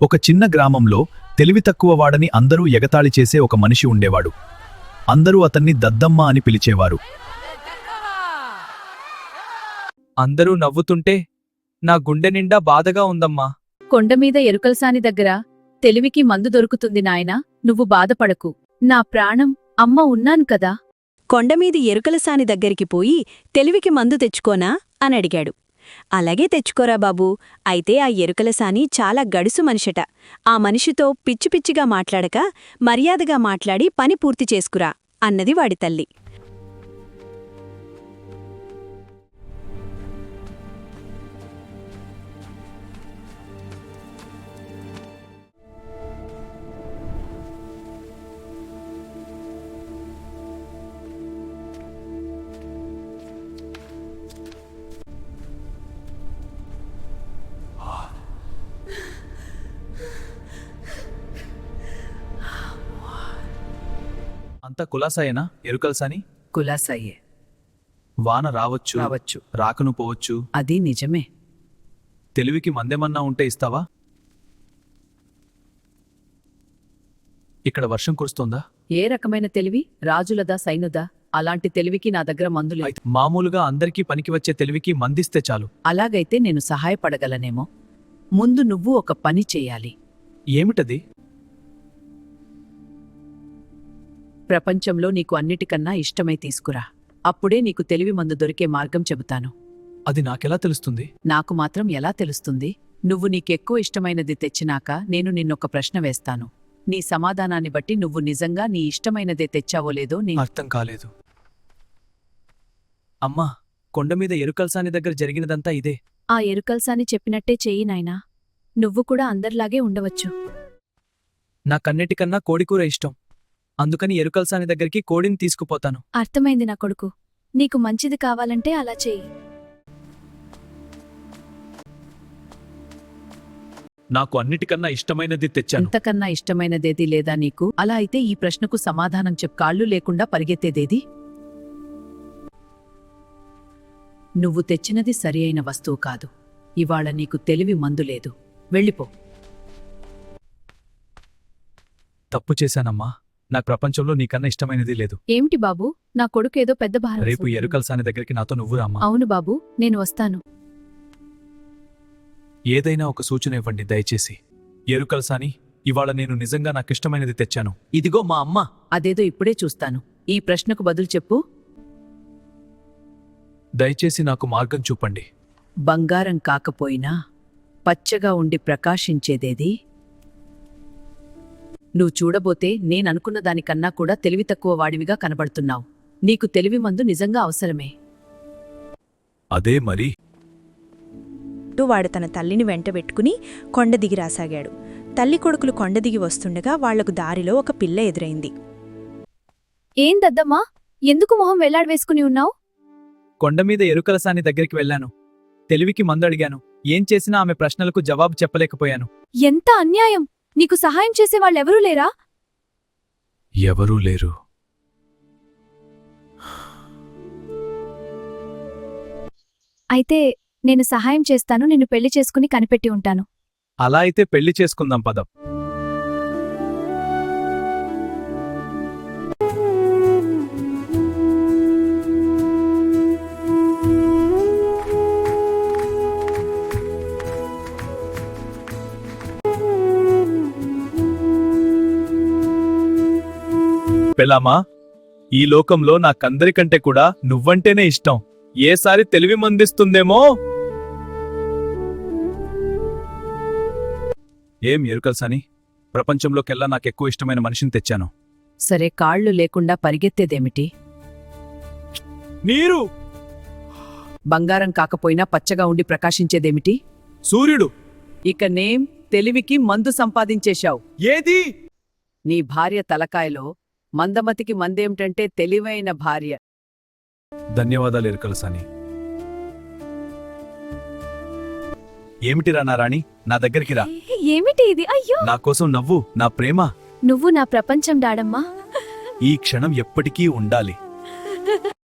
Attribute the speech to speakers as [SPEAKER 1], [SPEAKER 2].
[SPEAKER 1] ఒక చిన్న గ్రామంలో తెలివి తక్కువ వాడని అందరూ ఎగతాళి చేసే ఒక మనిషి ఉండేవాడు. అందరూ అతన్ని దద్దమ్మ అని పిలిచేవారు.
[SPEAKER 2] అందరూ నవ్వుతుంటే నా గుండె నిండా బాధగా ఉందమ్మా.
[SPEAKER 3] కొండమీద ఎరుకల్సాని దగ్గర తెలివికి మందు దొరుకుతుంది నాయనా, నువ్వు బాధపడకు. నా ప్రాణం అమ్మ ఉన్నాను కదా.
[SPEAKER 4] కొండమీది ఎరుకలసాని దగ్గరికి పోయి తెలివికి మందు తెచ్చుకోనా అనడిగాడు. అలాగే తెచ్చుకోరా బాబూ. అయితే ఆ ఎరుకలసాని చాలా గడుసు మనిషట. ఆ మనిషితో పిచ్చిపిచ్చిగా మాట్లాడక మర్యాదగా మాట్లాడి పని పూర్తి చేసుకురా అన్నది వాడి తల్లి.
[SPEAKER 1] అంతా కులాసాయేనా ఎరుకల్సాని?
[SPEAKER 3] కులాసయ్యే.
[SPEAKER 1] వాన రావచ్చు, రాకను పోవచ్చు.
[SPEAKER 3] అది నిజమే.
[SPEAKER 1] తెలివికి మందేమన్నా ఉంటే ఇస్తావా? ఇక్కడ వర్షం కురుస్తోందా?
[SPEAKER 3] ఏ రకమైన తెలివి? రాజులదా సైనుదా? అలాంటి తెలివికి నా దగ్గర మందులే.
[SPEAKER 1] మామూలుగా అందరికీ పనికి వచ్చే తెలివికి మందిస్తే చాలు.
[SPEAKER 3] అలాగైతే నేను సహాయపడగలనేమో. ముందు నువ్వు ఒక పని చెయ్యాలి.
[SPEAKER 1] ఏమిటది?
[SPEAKER 3] ప్రపంచంలో నీకు అన్నిటికన్నా ఇష్టమై తీసుకురా. అప్పుడే నీకు తెలివి మందు దొరికే మార్గం చెబుతాను.
[SPEAKER 1] అది నాకెలా తెలుస్తుంది?
[SPEAKER 3] నాకు మాత్రం ఎలా తెలుస్తుంది? నువ్వు నీకెక్కువ ఇష్టమైనది తెచ్చినాక నేను నిన్నొక ప్రశ్న వేస్తాను. నీ సమాధానాన్ని బట్టి నువ్వు నిజంగా నీ ఇష్టమైనదే తెచ్చావో లేదో
[SPEAKER 1] అర్థం కాలేదు. అమ్మా, కొండమీద ఎరుకల్సాని దగ్గర జరిగినదంతా ఇదే.
[SPEAKER 3] ఆ ఎరుకల్సాని చెప్పినట్టే చెయ్యి నాయనా. నువ్వు కూడా అందర్లాగే ఉండవచ్చు.
[SPEAKER 2] నాకన్నిటికన్నా కోడికూర ఇష్టం. అందుకని ఎరుకల్సాని దగ్గరికి కోడిని తీసుకుపోతాను.
[SPEAKER 5] అర్థమైంది నా కొడుకు. నీకు మంచిది కావాలంటే అలా చెయ్యి.
[SPEAKER 1] నాకు అన్నిటికన్నా ఇష్టమైనది తెచ్చాను.
[SPEAKER 3] ఇంతకన్నా ఇష్టమైనదేది లేదా నీకు? అలా అయితే ఈ ప్రశ్నకు సమాధానం కాళ్ళు లేకుండా పరిగెత్తేదేది? నువ్వు తెచ్చినది సరి అయిన వస్తువు కాదు. ఇవాళ నీకు తెలివి మందు లేదు. వెళ్ళిపో.
[SPEAKER 1] తప్పు చేశానమ్మా. నా ప్రపంచంలో నీకన్నా ఇష్టమైనది లేదు.
[SPEAKER 5] ఏమిటి బాబూ, నా కొడుకేదో పెద్ద భారం.
[SPEAKER 1] రేపు ఎరుకల్సాని దగ్గరికి నాతో నువ్వు రామ్మా.
[SPEAKER 5] అవును బాబూ, నేను వస్తాను.
[SPEAKER 1] ఏదైనా ఒక సూచన ఇవ్వండి దయచేసి. ఎరుకల్సాని, ఇవాళ నేను నిజంగా నాకిష్టమైనది తెచ్చాను.
[SPEAKER 2] ఇదిగో మా అమ్మ.
[SPEAKER 3] అదేదో ఇప్పుడే చూస్తాను. ఈ ప్రశ్నకు బదులు చెప్పు.
[SPEAKER 1] దయచేసి నాకు మార్గం చూపండి.
[SPEAKER 3] బంగారం కాకపోయినా పచ్చగా ఉండి ప్రకాశించేదేది? నువ్వు చూడబోతే నేననుకున్న దానికన్నా కూడా తెలివి తక్కువ వాడివిగా కనబడుతున్నావు. నీకు తెలివి మందు నిజంగా అవసరమే.
[SPEAKER 1] అదే మరి.
[SPEAKER 4] వాడు తన తల్లిని వెంటబెట్టుకుని కొండ దిగి రాసాగాడు. తల్లి కొడుకులు కొండ దిగి వస్తుండగా వాళ్లకు దారిలో ఒక పిల్ల ఎదురైంది.
[SPEAKER 5] ఏం దద్దమ్మా, ఎందుకు మొహం వెళ్లాడవేసుకుని ఉన్నావు?
[SPEAKER 2] కొండమీద ఎరుకలసాని దగ్గరికి వెళ్లాను. తెలివికి మందు అడిగాను. ఏం చేసినా ఆమె ప్రశ్నలకు జవాబు చెప్పలేకపోయాను.
[SPEAKER 5] ఎంత అన్యాయం! నీకు సహాయం చేసేవాళ్ళెవరూ లేరా?
[SPEAKER 1] ఎవరూ లేరు.
[SPEAKER 5] అయితే నేను సహాయం చేస్తాను. నిన్ను పెళ్లి చేసుకుని కనిపెట్టి ఉంటాను.
[SPEAKER 2] అలా అయితే పెళ్లి చేసుకుందాం పదం. పెళ్ళామా, ఈ లోకంలో నాకందరికంటే కూడా నువ్వంటేనే ఇష్టం. ఏసారి తెలివి మందిస్తుందేమో.
[SPEAKER 1] ఏం ఎరుకల్సాని, ప్రపంచంలోకెల్లా నాకెక్కువ ఇష్టమైన మనిషిని తెచ్చాను.
[SPEAKER 3] సరే, కాళ్ళు లేకుండా పరిగెత్తేదేమిటి?
[SPEAKER 2] నీరు.
[SPEAKER 3] బంగారం కాకపోయినా పచ్చగా ఉండి ప్రకాశించేదేమిటి?
[SPEAKER 2] సూర్యుడు.
[SPEAKER 3] ఇక నేం తెలివికి మందు సంపాదించేశావు.
[SPEAKER 2] ఏది?
[SPEAKER 3] నీ భార్య తలకాయలో మందమతికి మందేమిటంటే తెలివైన భార్య.
[SPEAKER 1] ధన్యవాదాలు ఎరుకల్సాని. ఏమిటిరా నా రాణి, నా దగ్గరికి రా.
[SPEAKER 5] ఏమిటి ఇది? అయ్యో,
[SPEAKER 1] నా కోసం నవ్వు, నా ప్రేమ.
[SPEAKER 5] నువ్వు నా ప్రపంచం డాడమ్మా.
[SPEAKER 1] ఈ క్షణం ఎప్పటికీ ఉండాలి.